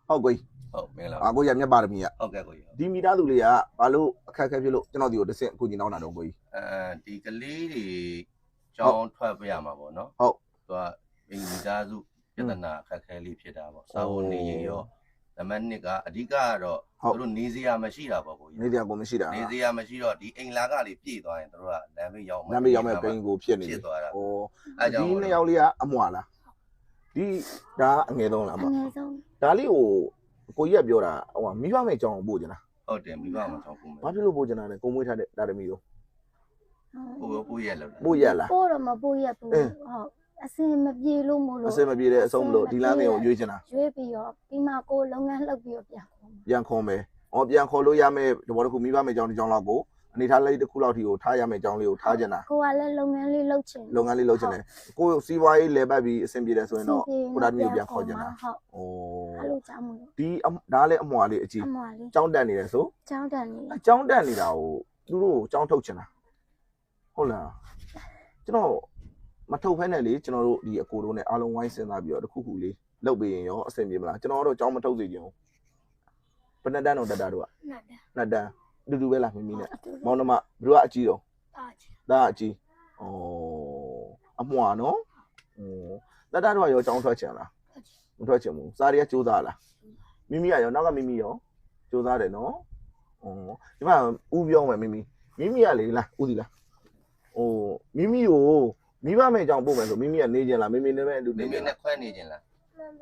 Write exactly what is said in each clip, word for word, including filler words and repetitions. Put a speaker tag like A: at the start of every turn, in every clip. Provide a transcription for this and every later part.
A: ဟုတ်ကွေး
B: ဟုတ်မင်္ဂလာ
A: အာကိုရမြတ်ပါရမီက
B: ဟုတ်ကဲ့ကိုရ
A: ဒီမိသားစုလေးကဘာလို့အခက်အခဲဖြစ်လို့ကျွန်တော်ဒီကိုတစ်ဆင့်အခုညီနောင်းတာတော့ကိုကြီး
B: အဲဒီကလေးတွေကြောင်းထွက်ပြရမှာပေါ့နော်
A: ဟုတ်
B: သူကမိသားစုပြဿနာအခက်အခဲလေးဖြစ်တာပေါ့စာဝန်နေရင်ရောနံပါတ်နှစ်ကအဓိကကတော့သူတို့နေစရာမရှိတာပေါ့ကိုကြီး
A: နေစရာကိုမရှိတာ
B: နေစရာမရှိတော့ဒီအိမ်လာကလေးပြည့်သွားရင်သူတို့ကလမ်းမေးရောက်
A: မှာလမ်းမေးရောက်မဲ့ပိန်ကိုဖြစ်နေ
B: ဖြစ်သွားတာ
A: ဩအဲကြောင့်ဒီနှစ်ယောက်လေးကအမွာလားဒီဒါအငယ်ဆုံးလားမ
C: အငယ်ဆုံး
A: ဒါလေးကိုကိုကြီးကပြောတာဟိုမိဘမဲ့ကြောင်းပို့ကြလား
B: ဟုတ်တယ်မိဘမဲ့ကြောင်းပို့မယ်
A: ဘာဖြစ်လို့ပို့ကြတာလဲကိုမွေးထားတဲ့ဒါတမီတို့
B: ပို့ပို့ရက်လို့
A: ပို့ရက်လား
C: ပို့တော့မပို့ရက်ဘူးဟုတ်အစင်မပြေလို့မို့လို့
A: အစင်မပြေတဲ့အဆုံးမလို့ဒီလမ်းလေးကိုရွေးချင်တာ
C: ရွေးပြီးတော့ပြီးမှကိုလုပ်ငန်းလှုပ်ပြီးတော့ပြန်ခေါ်
A: ပြန်ခေါ်မယ်။အော်ပြန်ခေါ်လို့ရမယ်ဒီဘောတစ်ခုမိဘမဲ့ကြောင်းဒီကြောင်းလောက်ကိုအနေထားလေးတစ်ခုလောက်ထိကိုထားရမယ်ကြောင်းလေးကိုထားချင်တာ
C: ကိုကလည်းလုပ်ငန်းလေးလုပ်ချင်
A: လုပ်ငန်းလေးလုပ်ချင်တယ်ကိုစီးပွားရေးလဲပတ်ပြီးအဆင်ပြေတယ်ဆိုရင်တော့ကိုဒါမျိုးပြန်ခေါ်ချင်တာ
C: ဟုတ်
A: ။အိုး
C: အဲ့လိုကြောင်းမို့
A: ဒီဒါလည်းအမွာလေးအကြီး
C: အမွာလေး
A: ကြောင်းတက်နေတယ်ဆို
C: ကြောင်းတက်နေ
A: အကြောင်းတက်နေတာကိုသူတို့ကြောင်းထုတ်ချင်တာဟုတ်လားကျွန်တော်မထုတ်ဖဲနဲ့လေကျွန်တော်တို့ဒီအကိုတို့နဲ့အားလုံးဝိုင်းစဉ်းစားပြီးတော့တစ်ခုခုလေးလုပ်ပေးရင်ရောအဆင်ပြေမလားကျွန်တော်တို့ကြောင်းမထုတ်စေချင်ဘူးဘယ်နှစ်တန်းတော့တက်တာတို့ကနှစ်တန်းနှစ်တန်းအတူတူပဲလားမိမိနဲ့မောင်နှမဘယ်သူကအကြီးတော့ဒါအကြီးဩအမွာနော်ဩတက်တာတို့ကရောကြောင်းထွက်ချင်လားမထွက်ချင်ဘူးစားရရစူးစားလားမိမိကရောနောက်ကမိမိရောစူးစားတယ်နော်ဩဒီမှာဦးပြောမယ်မိမိမိမိကလေလားဦးစီလားဟိုမိမိကိုမိဘမဲ့ကြောင့်ပို့မယ်ဆိုမိမိကနေကျင်လားမိမိနဲ့ပဲအတူ
B: နေမိမိနဲ့ခွဲနေကျင်လား
A: ဟမ်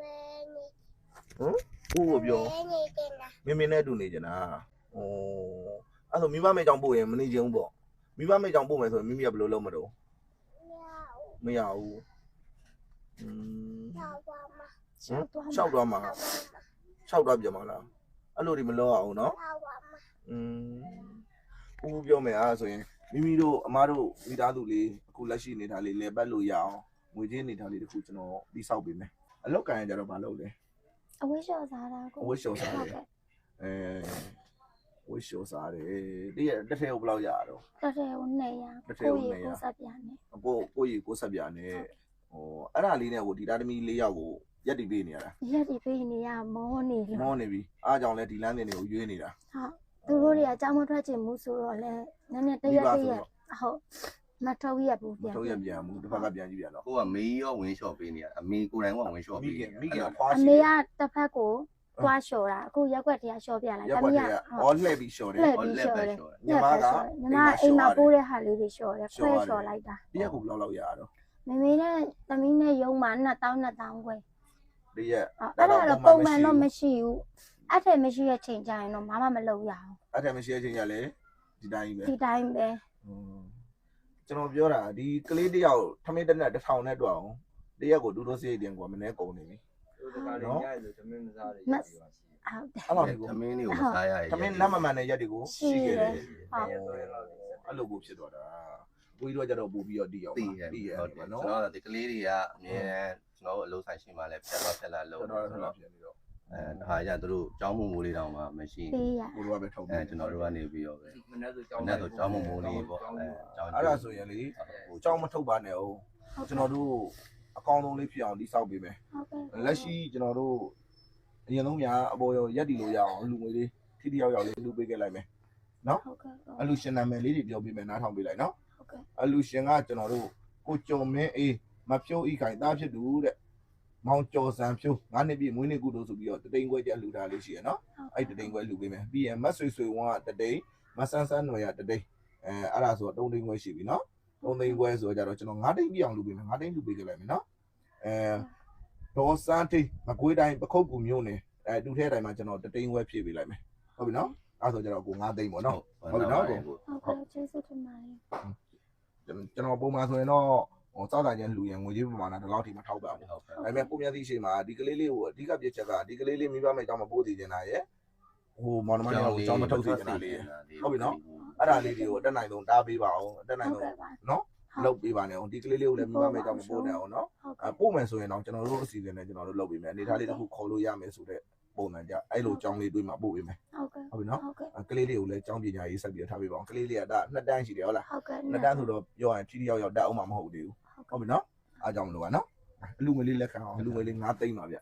A: ဦးကိုပြောမိမိနဲ့အတူနေကျင်လားဩအဲ့ဆိုမိဘမဲ့ကြောင့်ပို့ရင်မနေကျင်ဘူးပေါ့မိဘမဲ့ကြောင့်ပို့မယ်ဆိုရင်မိမိကဘယ်လိုလုပ်မတော့မရဘူးอืมရှောက်သွားမှာရှောက်သွားပြန်မှာလားအဲ့လိုဒီမလုပ်အောင်နော်อืมဦးပြောမယ်အားဆိုရင်မိမိတို့အမားတို့မိသားစုလေးအခုလက်ရှိနေတာလေးလဲပတ်လို့ရအောင်ငွေကြေးနေတာလေးတခုကျွန်တော်တိဆောက်ပေးမယ်အလောက်ကန်ရကြတော့မလုပ်လဲ
C: အဝိရှော်စားတာကို
A: အဝိရှော်စားတယ်အဲဝိရှော်စားတယ်တည့်ရတစ်ထည့်ကိုဘယ်လောက်ရတော့
C: တစ်ထည့်ကိုနှစ်ရာကိုရီကိုဆက်ပြနဲ့
A: ကိုကိုရီကိုဆက်ပြနဲ့ဟိုအဲ့ဒါလေးနဲ့ကိုဒီသားသမီးလေးယောက်ကိုရက်တီပေးနေရတာ
C: ရက်တီပေးနေရမောနေ
A: လို့မောနေပြီအားကြောင့်လဲဒီလမ်းတင်တွေကိုရွေးနေတာ
C: ဟုတ်သူတို့တွေကအကြောင်းမထွက်ချင်ဘူးဆိုတော့လဲနည်းနည်းတရက်တရက်ဟုတ်မထုတ်ရဘူးပြန်
A: ထုတ်ရပြန်ဘူးတစ်ဖက်ကပြန်ကြည့်ပြန်တော့
B: ကိုကမေးရောဝင်းလျှော့ပေးနေရအမေကိုယ်တိုင်ကဝင်းလျှော့ပေးနေ
A: မိခင်ဖွား
C: ရှိအမေကတစ်ဖက်ကိုတွားလျှော်တာအခုရက်ွက်တရားလျှော်ပြလိုက်
A: တမီးကအော်လှည့်ပြီးလျှော်တယ်
C: အော်လှည့်ပြီးလျှော်တယ်
A: ညီမက
C: ညီမအိမ်မှာပိုးတဲ့ဟာလေးတွေလျှော်တယ်ခွဲလျှော်လိုက်တာ
A: တရက်ကိုဘယ်လောက်လောက်ရတော့
C: မမေနဲ့တမီးနဲ့ရုံးမှာနှစ်တောင်းနှစ်တောင်းခွဲ
A: တရက်
C: အဲ့ဒါတော့ပုံမှန်တော့မရှိဘူးအဲ့ထက်မရှိတဲ့ချိန်ကျရင်တော့မမမလုပ်ရအောင်
A: အဲ့ထက်မရှိတဲ့ချိန်ကျလဲဒီတိုင်းပဲ
C: ဒီတိုင်းပဲ
A: ကျွန်တော်ပြောတာဒီကလေးတယောက်ထမင်းတက်နဲ့တစ်ထောင်နဲ့တွက်အောင်တရက်ကိုဒူးဒိုးစိတ်တင်ကွာမနေကုန်နေပြီ
D: တို့တကားလေးညရည်ဆိုထမင်းမစားရည်
C: ဟုတ်တယ်
A: အဲ့လိုမျိုး
B: ထမင်းလေးကိုမစားရရည်
A: ထမင်းနတ်မမှန်တဲ့ရက်တွေကိုရှိခဲ့တယ်အဲ့လိုကိုဖြစ်သွားတာကိုကြီးတို့ကြတော့ပို့ပြီးတော့တီးအောင်
B: တီးရတီးရဟုတ်တယ်နော်ကျွန်တော်ဒီကလေးတွေကအမြဲကျွန်တော်တို့အလုပ်ဆိုင်ရှိမှလည်းဖြတ်တော့ဖြတ်လာလို့
A: တော့တော့ဖြစ်နေတော့
B: အဲဒါကြသူတို့ကျောင်းမမိုးလေးတောင်မှမရှိ
A: ဘူးကိုတို့ကပဲထုတ်
B: အဲကျွန်တော်တို့ကနေပြီးတော့ပဲ
D: မနေ့ဆိုကျောင်း
B: မနေ့ဆိုကျောင်းမမိုးလေးပေါ့အဲ
A: ကျောင်းအဲ့ဒါဆိုရင်လေကျောင်းမထုတ်ပါနဲ့အောင်ကျွန်တော်တို့အကောင်းဆုံးလေးဖြစ်အောင်တိဆောက်ပေးမယ်လက်ရှိကျွန်တော်တို့အရင်ဆုံးများအပေါ်ရောရက်တီလို့ရအောင်လူငွေလေးထိတိယောက်ယောက်လေးလူပေးခဲ့လိုက်မယ်နော်အလူရှင်နာမည်လေးတွေပြောပေးမယ်နားထောင်ပေးလိုက်နော်အလူရှင်ကကျွန်တော်တို့ကိုကျော်မင်းအေးမဖြိုးဤခိုင်သားဖြစ်သူတဲ့မောင်ကျော်စံဖြိုးငါးနှစ်ပြည့်မွေးနေ့ကုသိုလ်ဆိုပြီးတော့တတိန်ခွဲကျလူထားလေးရှိရနော်အဲ့တတိန်ခွဲလူပေးမယ်ပြီးရင်မတ်ဆွေဆွေဝန်းကတတိန်မဆန်းဆန်းຫນွယ်ကတတိန်အဲအဲ့ဒါဆိုတော့သုံးတိန်ခွဲရှိပြီနော်သုံးတိန်ခွဲဆိုတော့ကြတော့ကျွန်တော်ငါးတိန်ပြည့်အောင်လူပေးမယ်ငါးတိန်လူပေးကြလိုက်မယ်နော်အဲဒေါ်စန်းတိန်မကွေးတိုင်းပခုတ်ကူမျိုးနေအဲတူထဲတိုင်းမှာကျွန်တော်တတိန်ခွဲဖြည့်ပေးလိုက်မယ်ဟုတ်ပြီနော်အဲ့ဆိုကြတော့ကိုငါးတိန်ပေါ့နော်ဟုတ်ပြီနော်ကို
C: ဟုတ်ကျေးဇူးတင်ပါတယ်
A: ကျွန်တော်ပုံမှန်ဆိုရင်တော့ဟိုစောက်တာချင်းလူရင်ငွေကြီးပမာဏဒီလောက်ထိမထောက်ပါဘူးဒါပေမဲ့ကိုမြတ်သီးရှိမှာဒီကလေးလေးကိုအဓိကပြစ်ချက်ကဒီကလေးလေးမိဘမဲ့အကြောင်းမပို့သေးနေတာရဲ့ဟိုမောင်နှမတွေကိုအကြောင်းမထုတ်သေးနေတာလေးဟုတ်ပြီနော်အဲ့ဒါလေးတွေကိုအတက်နိုင်ဆုံးတားပေးပါအောင်အတက်နိုင်ဆုံးနော်လုပ်ပေးပါနဲ့အောင်ဒီကလေးလေးကိုလည်းမိဘမဲ့အကြောင်းမပို့နဲ့အောင်နော်အပို့မယ်ဆိုရင်တော့ကျွန်တော်တို့အစီအစဉ်နဲ့ကျွန်တော်တို့လုပ်ပေးမယ်အနေထားလေးတစ်ခုခေါ်လို့ရမယ်ဆိုတဲ့ပုံစံကြအဲ့လိုအကြောင်းလေးတွေးမှာပို့ပေးမယ်
C: ဟုတ်ကဲ့
A: ဟုတ်ပြီနော်ကလေးလေးကိုလည်းအကြောင်းပညာရေးဆက်ပြီးထားပေးပါအောင်ကလေးလေးကဒါနှစ်တန်းရှိတယ်ဟုတ်လား
C: ဟုတ်ကဲ့
A: နှစ်တန်းဆိုတော့ပြောရင်ထိထိရောက်ရောက်တက်အောင်မှာမဟုတ်သေးဘူးဟုတ်ပြီနော်အားကြောင့်မလို့ကနော်အလူငွေလေးလက်ခံအောင်အလူငွေလေးငါးသိန်းပါဗျ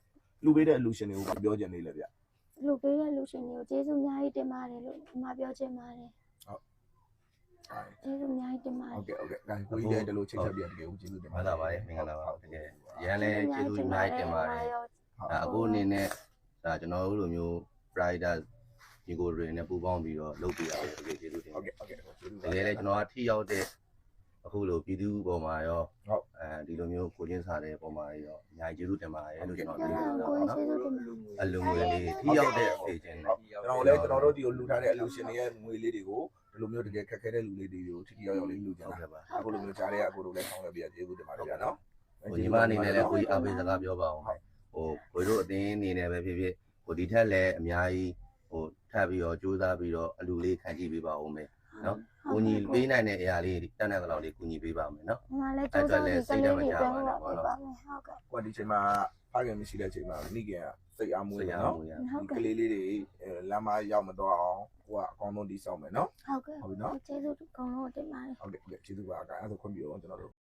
A: လူပေးတဲ့အလူရှင်တွေကိုပြောချင်နေလေဗျ
C: လူပေးတဲ့လူရှင်တွေကိုကျေးဇူးအများကြီးတင်ပါတယ်လို့ဒီမှာပြောချင်ပါတယ်ကျေးဇူးအများကြီးတင်ပါတယ်
A: ဟုတ်ကဲ့ဟုတ်ကဲ့ဒါကိုကြီးလည်းဒီလိုချိတ်ဆက်ပြတကယ်ကိုကျေးဇူးတင်ပါ
B: မှန်ပါပါတယ်မင်္ဂလာပါတကယ်ရန်လည်းကျေးဇူးအများကြီးတင်ပါတယ်အခုအနေနဲ့ဒါကျွန်တော်တို့လိုမျိုး rider ဒီကိုတွေနဲ့ပူးပေါင်းပြီးတော့လုပ်ပြရအောင်တကယ်ကျေးဇူးတင်
A: ဟုတ်
B: ပါ
A: ကဲ့ဟုတ်ကဲ့ကျေးဇူး
B: တကယ်လည်းကျွန်တော်ကထိရောက်တဲ့အခုလိုပြည်သူပေါ်မှာရော
A: ဟုတ်
B: အဲဒီလိုမျိုးကိုချင်းစားတဲ့ပုံမှာရောအများကြီးကျေးဇူးတင်ပါတယ်လို့ကျွန်တော်
C: ကျေး
B: ပြော
C: ဇူး
B: တာ
C: ကို
B: ပေါ့နော်
C: ကျေးဇူးတင်ပါတယ်
B: အလုံးငွေလေးထိရောက်တဲ့အေဂျင့်တွေ
A: ကျွန်တော်လည်းကျွန်တော်တို့ဒီကိုလူထားတဲ့အလူရှင်တွေရဲ့ငွေလေးတွေကိုဒီလိုမျိုးတကယ်ခက်ခဲတဲ့လူလေးတွေကိုထိထိရောက်ရောက်လေးလူကြ
B: ဟုတ်
A: တာ
B: ကဲ့ပါ
A: အခုလိုမျိုးကြားတဲ့အကိုတို့လည်းဆောင်းရပြကျေးဇူးတင်ပါတယ်ဗျာနော်
B: ဟိုညီမအနေနဲ့လည်းကိုကြီးအားပေးစကားပြောပါအောင်မယ်ဟိုကိုတို့အတင်းအနေနဲ့ပဲဖြစ်ဖြစ်ဟိုဒီထက်လည်းအများကြီးဟိုထပ်ပြီးတော့ကြိုးစားပြီးတော့အလူလေးခံကြည့်ပေးပါဦးမယ်နော်ကိုကြီးပေးနိုင်တဲ့အရာလေးတက်တဲ့လောက်လေးကိုကြီးပေးပါမယ်နော်
C: ဒီမှာလည်းကျေးဇူးတင်ကလေးတွေပြောပါမယ်ဟုတ်ကဲ့
A: ကွာဒီချိန်မှာဖခင်မရှိတဲ့ချိန်မှာမိခင်ကစိတ်အားမွေး
B: ဆ
A: တယ်
B: ရာ
A: နော်
B: မူရ
C: ဟုတ်ကဲ့
A: ကလေးလေးတွေလမ်းမရောက်မတော့အောင်ကိုကအကောင်းဆုံးတည်ဆောက်မယ်နော်
C: ဟုတ်ကဲ့ကျေးဇူးအကုန်လုံးတင်ပါတယ်
A: ဟုတ်ကဲ့ဟုတ်ကဲ့ကျေးဇူးပါအကအဲ့ဒါခွင့်ပြုအောင်ကျွန်တော်တို့